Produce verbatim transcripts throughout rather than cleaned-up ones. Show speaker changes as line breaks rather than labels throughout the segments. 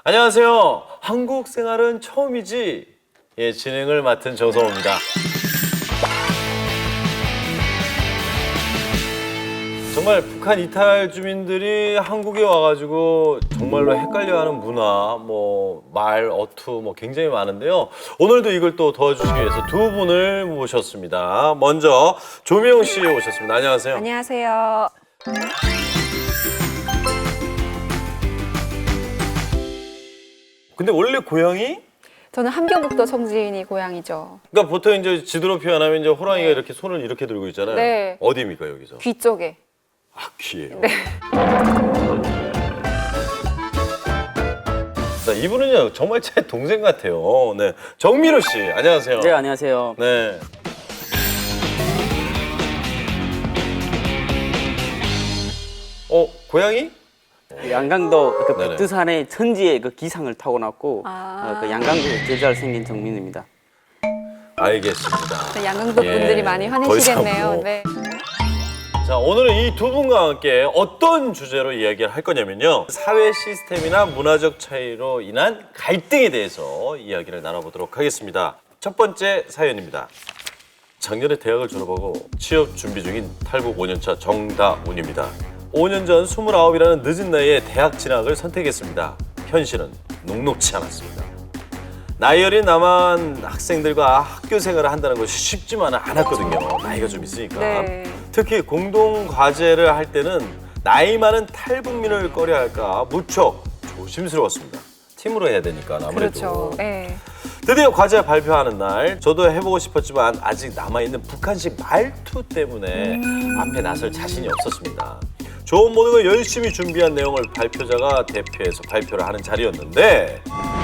안녕하세요. 한국 생활은 처음이지. 예, 진행을 맡은 정성호입니다. 정말 북한 이탈 주민들이 한국에 와가지고 정말로 헷갈려하는 문화, 뭐 말, 어투 뭐 굉장히 많은데요. 오늘도 이걸 또 도와주시기 위해서 두 분을 모셨습니다. 먼저 조미영 씨 오셨습니다. 안녕하세요.
안녕하세요.
근데 원래 고향이?
저는 함경북도 청진이 고향이죠.
그러니까 보통 이제 지도로 표현하면 이제 호랑이가 이렇게 손을 이렇게 들고 있잖아요.
네.
어디입니까 여기서?
귀 쪽에.
아, 귀예요.
네.
자, 이분은요 정말 제 동생 같아요. 네, 정민호 씨, 안녕하세요.
네, 안녕하세요.
네. 어, 고향이?
그 양강도 그
네네.
백두산의 천지의 그 기상을 타고났고
아.
어, 그 양강도에 제자를 생긴 정민입니다.
알겠습니다.
양강도
예,
분들이 많이
더 이상
화내시겠네요.
뭐.
네.
자, 오늘은 이 두 분과 함께 어떤 주제로 이야기를 할 거냐면요. 사회 시스템이나 문화적 차이로 인한 갈등에 대해서 이야기를 나눠보도록 하겠습니다. 첫 번째 사연입니다. 작년에 대학을 졸업하고 취업 준비 중인 탈북 오 년차 정다운입니다. 오 년 전 스물아홉이라는 늦은 나이에 대학 진학을 선택했습니다. 현실은 녹록치 않았습니다. 나이 어린 남한 학생들과 학교 생활을 한다는 것이 쉽지만은 않았거든요. 나이가 좀 있으니까.
네.
특히 공동 과제를 할 때는 나이 많은 탈북민을 꺼려할까 무척 조심스러웠습니다. 팀으로 해야 되니까 아무래도.
그렇죠. 네.
드디어 과제 발표하는 날 저도 해보고 싶었지만 아직 남아있는 북한식 말투 때문에 앞에 나설 자신이 없었습니다. 좋은 모든 걸 열심히 준비한 내용을 발표자가 대표해서 발표를 하는 자리였는데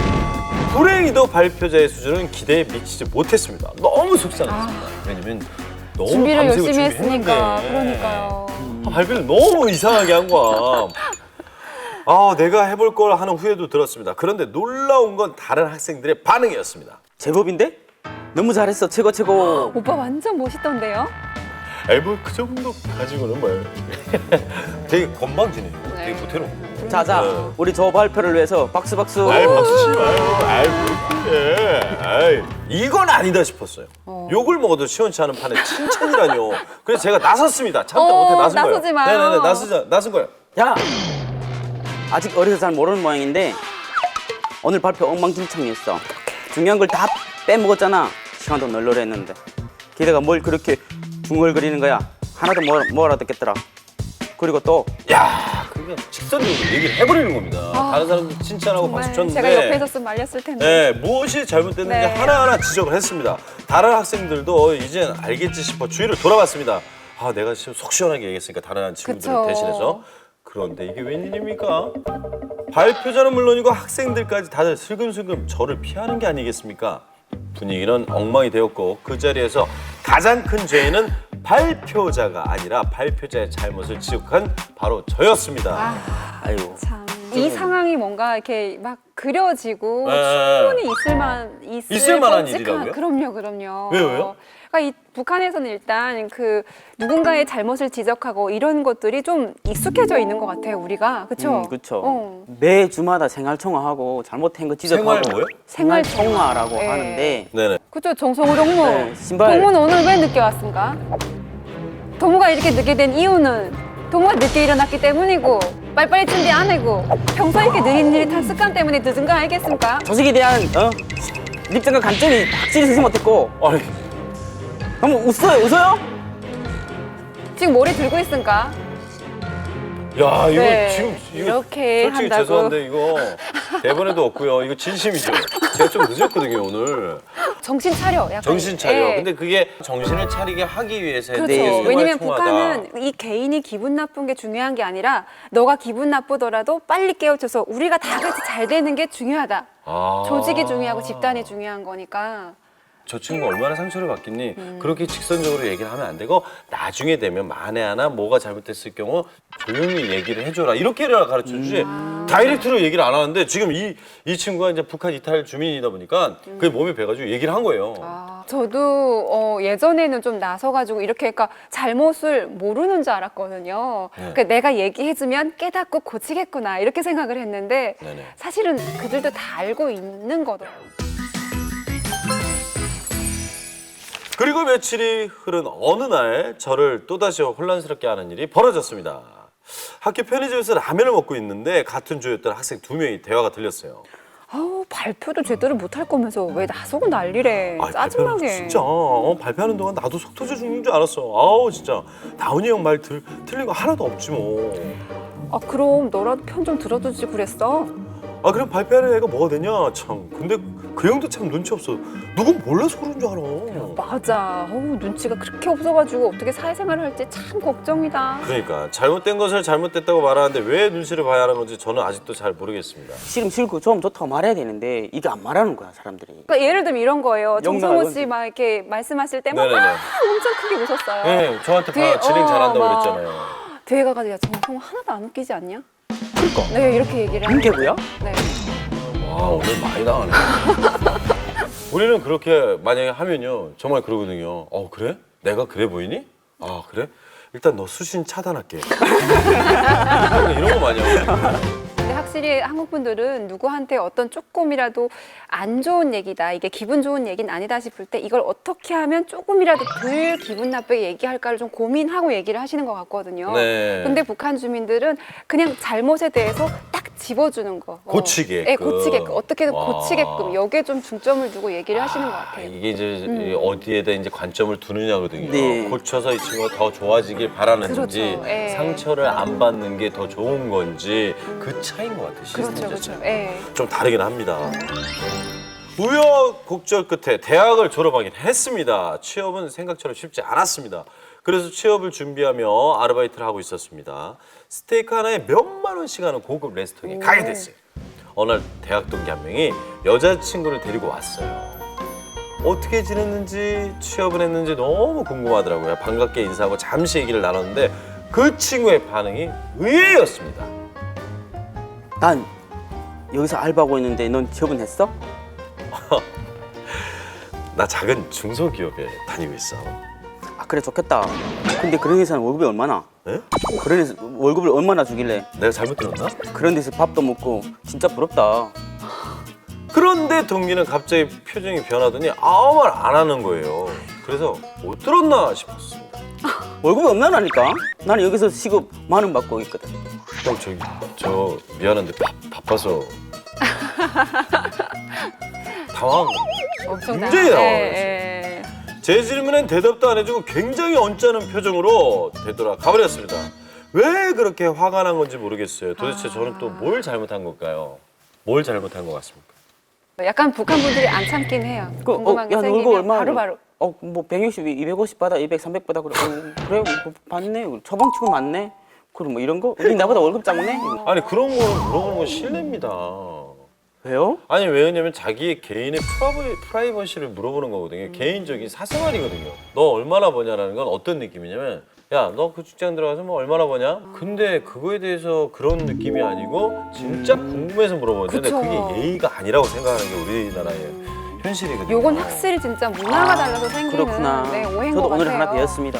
불행히도 발표자의 수준은 기대에 미치지 못했습니다. 너무 속상했습니다. 왜냐면 너무
준비를
밤새고
열심히 했으니까.
준비했는데
그러니까요.
아, 발표를 너무 이상하게 한 거야. 아, 내가 해볼 걸 하는 후회도 들었습니다. 그런데 놀라운 건 다른 학생들의 반응이었습니다.
제법인데? 너무 잘했어, 최고 최고.
오빠 완전 멋있던데요?
에이, 뭐 그 정도 가지고는 뭐예요. 되게 건방지네요. 되게
네.
보태롭고.
자자,
네.
우리 저 발표를 위해서 박수 박수.
아이, 박수 치지 마요. 아이, 뭐 그래. 아이, 이건 아니다 싶었어요.
어.
욕을 먹어도 시원치 않은 판에 칭찬이라뇨. 그래서 제가 나섰습니다. 참다
어,
못해 나선 거예요.
나서지 마요.
네네네, 나서자, 나선 거예요.
야, 아직 어려서 잘 모르는 모양인데 오늘 발표 엉망진창이었어. 중요한 걸 다 빼먹었잖아. 시간도 널널했는데. 게다가 뭘 그렇게 중얼거리는 거야. 하나도 뭐, 뭐 알아듣겠더라. 그리고 또
야, 그냥 직선적으로 얘기를 해버리는 겁니다.
아,
다른 사람들 칭찬하고
정말
박수 쳤는데.
제가 옆에 있었으면 말렸을 텐데.
네, 무엇이 잘못됐는지
네.
하나하나 지적을 했습니다. 다른 학생들도 이젠 알겠지 싶어 주위를 돌아봤습니다. 아, 내가 지금 속 시원하게 얘기했으니까 다른 친구들을
그쵸.
대신해서. 그런데 이게 웬일입니까? 발표자는 물론이고 학생들까지 다들 슬금슬금 저를 피하는 게 아니겠습니까? 분위기는 엉망이 되었고 그 자리에서 가장 큰 죄인은 발표자가 아니라 발표자의 잘못을 지적한 바로 저였습니다.
아,
아유.
참. 이 상황이 뭔가 이렇게 막 그려지고
네.
충분히 있을 만 있을,
있을 만한
끔찍한-
일이라고요?
그럼요, 그럼요.
왜요, 왜요?
그러니까 이 북한에서는 일단 그 누군가의 잘못을 지적하고 이런 것들이 좀 익숙해져 있는 것 같아요, 우리가. 그렇죠?
음, 그쵸.
어.
매 주마다 생활청화하고 잘못한 거 지적하고.
생활 뭐요?
생활청화라고
네.
하는데
네네.
그렇죠, 정성우 동무.
네, 신발.
동무는 오늘 왜 늦게 왔습니까? 동무가 이렇게 늦게 된 이유는 동무가 늦게 일어났기 때문이고 빨리빨리 준비 안 하고 평소에 이렇게 느릿느릿한 습관 때문에 늦은 거 알겠습니까?
조직에 대한 어? 입장과 관점이 확실히 쓰지 못했고
아니,
너무 웃어요, 웃어요?
지금 머리 들고 있습니까?
야, 이거
네,
지금 이거
이렇게
솔직히
한다고.
죄송한데 이거 대본에도 없고요. 이거 진심이죠. 제가 좀 늦었거든요 오늘.
정신 차려. 약간.
정신 차려.
예.
근데 그게 정신을 차리게 하기 위해서
그렇죠.
했던 게
왜냐면
생활
북한은
통화다.
이 개인이 기분 나쁜 게 중요한 게 아니라 너가 기분 나쁘더라도 빨리 깨우쳐서 우리가 다 같이 잘 되는 게 중요하다.
아.
조직이 중요하고 집단이 중요한 거니까.
저 친구가 얼마나 상처를 받겠니? 그렇게 직선적으로 얘기를 하면 안 되고 나중에 되면 만에 하나 뭐가 잘못됐을 경우 조용히 얘기를 해줘라. 이렇게 가르쳐주지. 다이렉트로 얘기를 안 하는데 지금 이, 이 친구가 이제 북한 이탈 주민이다 보니까 그게 몸에 배가지고 얘기를 한 거예요.
아, 저도 어, 예전에는 좀 나서가지고 이렇게 그러니까 잘못을 모르는 줄 알았거든요.
네.
그러니까 내가 얘기해주면 깨닫고 고치겠구나 이렇게 생각을 했는데
네네.
사실은 그들도 다 알고 있는 거더라고요.
그리고 며칠이 흐른 어느 날 저를 또다시 혼란스럽게 하는 일이 벌어졌습니다. 학교 편의점에서 라면을 먹고 있는데 같은 조였던 학생 두 명이 대화가 들렸어요.
아우 발표도 제대로 못할 거면서 왜 나서고 난리래.
아이, 발표는
짜증나게.
진짜 어, 발표하는 동안 나도 속 터져 죽는 줄 알았어. 아우 진짜 다운이 형 말 틀린 거 하나도 없지 뭐.
아 그럼 너라도 편 좀 들어주지 그랬어.
아 그럼 발표하는 애가 뭐가 되냐 참. 근데 그 형도 참 눈치 없어. 누군 몰라서 그런 줄 알아.
맞아. 어우, 눈치가 그렇게 없어가지고 어떻게 사회생활을 할지 참 걱정이다.
그러니까 잘못된 것을 잘못됐다고 말하는데 왜 눈치를 봐야 하는 건지 저는 아직도 잘 모르겠습니다.
싫음 싫고 좀 좋다고 말해야 되는데 이게 안 말하는 거야 사람들이.
그러니까 예를 들면 이런 거예요. 정성호
영락은-
씨 막 이렇게 말씀하실 때 막
네네네.
엄청 크게 웃었어요.
네, 저한테
뒤에,
봐 진행
어,
잘한다고
막
그랬잖아요.
뒤에 가가지고 야 정성호 하나도 안 웃기지 않냐?
그러니까.
네 이렇게 얘기를 하는
인계고요?
네.
와 오늘 많이 당하네. 우리는 그렇게 만약에 하면요 정말 그러거든요. 어 그래? 내가 그래 보이니? 아 그래? 일단 너 수신 차단할게. 이런 거 많이 하고.
근데 확실히 한국 분들은 누구한테 어떤 조금이라도 안 좋은 얘기다, 이게 기분 좋은 얘기는 아니다 싶을 때 이걸 어떻게 하면 조금이라도 덜 기분 나쁘게 얘기할까를 좀 고민하고 얘기를 하시는 것 같거든요.
네.
근데 북한 주민들은 그냥 잘못에 대해서 딱 집어주는 거. 어.
고치게끔.
네, 고치게끔. 어떻게든
와.
고치게끔 여기에 좀 중점을 두고 얘기를 하시는 것
아,
같아요.
이게 이제 이 어디에다 이제 관점을 두느냐거든요.
네.
고쳐서 이 친구가 더 좋아지길 바라는 건지
그렇죠. 예.
상처를 안 받는 게 더 좋은 건지 그 차이인 것 같아요. 시스템
그렇죠,
자체가.
그렇죠. 예.
좀 다르긴 합니다. 우여곡절 끝에 대학을 졸업하긴 했습니다. 취업은 생각처럼 쉽지 않았습니다. 그래서 취업을 준비하며 아르바이트를 하고 있었습니다. 스테이크 하나에 몇만 원씩 하는 고급 레스토랑에 가게 됐어요. 어느 날 대학 동기 한 명이 여자친구를 데리고 왔어요. 어떻게 지냈는지 취업을 했는지 너무 궁금하더라고요. 반갑게 인사하고 잠시 얘기를 나눴는데 그 친구의 반응이 의외였습니다.
난 여기서 알바하고 있는데 넌 취업은 했어?
나 작은 중소기업에 다니고 있어.
아 그래 좋겠다. 근데 그런 회사는 월급이 얼마나?
에?
그런 회사 월급을 얼마나 주길래
내가 잘못 들었나?
그런 데서 밥도 먹고 진짜 부럽다.
그런데 동기는 갑자기 표정이 변하더니 아무 말 안 하는 거예요. 그래서 못 들었나 싶었습니다.
월급이 얼마나니까? 나는 여기서 시급 만 원 받고 있거든.
형 저기 저 미안한데 바, 바빠서 당황.
엄청
굉장히
나-
당황을
예, 예.
제 질문엔 대답도 안 해주고 굉장히 언짢은 표정으로 되돌아 가버렸습니다. 왜 그렇게 화가 난 건지 모르겠어요. 도대체 저는 또 뭘 잘못한 걸까요? 뭘 잘못한 것 같습니까?
약간 북한 분들이 안 참긴 해요.
그,
궁금한 게
야, 너
생기면
월급 얼마?
바로 바로.
어, 뭐 백육십, 이백오십 받아, 이백, 삼백 받아 그래. 어, 그래, 뭐, 받네. 처방치고 맞네. 그럼 뭐 이런 거? 우리 나보다 월급 작네.
아니 그런 거 물어보는 건 실례입니다.
왜요?
아니 왜냐면 자기의 개인의 프라이버, 프라이버시를 물어보는 거거든요. 개인적인 사생활이거든요. 너 얼마나 버냐라는 건 어떤 느낌이냐면 야 너 그 직장 들어가서 뭐 얼마나 버냐? 근데 그거에 대해서 그런 느낌이 아니고 진짜 궁금해서 물어보는데
그쵸.
그게 예의가 아니라고 생각하는 게 우리나라의 현실이거든요.
요건 확실히 진짜 문화가 달라서 생기는
그렇구나.
네, 오해인
저도
것
오늘
같아요.
하나 배웠습니다.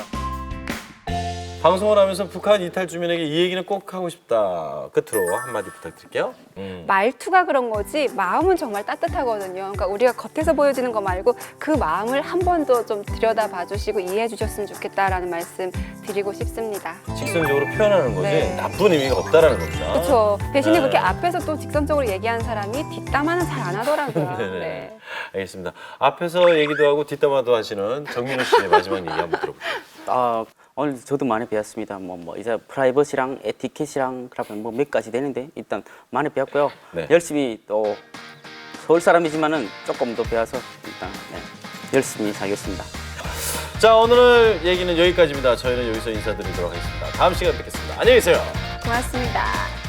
방송을 하면서 북한 이탈 주민에게 이 얘기는 꼭 하고 싶다. 끝으로 한마디 부탁드릴게요. 음.
말투가 그런 거지 마음은 정말 따뜻하거든요. 그러니까 우리가 겉에서 보여지는 거 말고 그 마음을 한 번 더 좀 들여다봐 주시고 이해해 주셨으면 좋겠다라는 말씀 드리고 싶습니다.
직선적으로 표현하는 거지
네.
나쁜 의미가 없다라는 겁니다.
그렇죠. 대신에
네.
그렇게 앞에서 또 직선적으로 얘기하는 사람이 뒷담화는 잘 안 하더라고요.
네네.
네.
알겠습니다. 앞에서 얘기도 하고 뒷담화도 하시는 정민호 씨의 마지막 얘기 한번 들어볼게요.
아, 오늘 저도 많이 배웠습니다. 뭐, 뭐 이제 프라이버시랑 에티켓이랑 그러면 뭐몇 가지 되는데 일단 많이 배웠고요.
네.
열심히 또 서울 사람이지만은 조금 더 배워서 일단 네, 열심히 살겠습니다.
자 오늘 얘기는 여기까지입니다. 저희는 여기서 인사드리도록 하겠습니다. 다음 시간에 뵙겠습니다. 안녕히 계세요.
고맙습니다.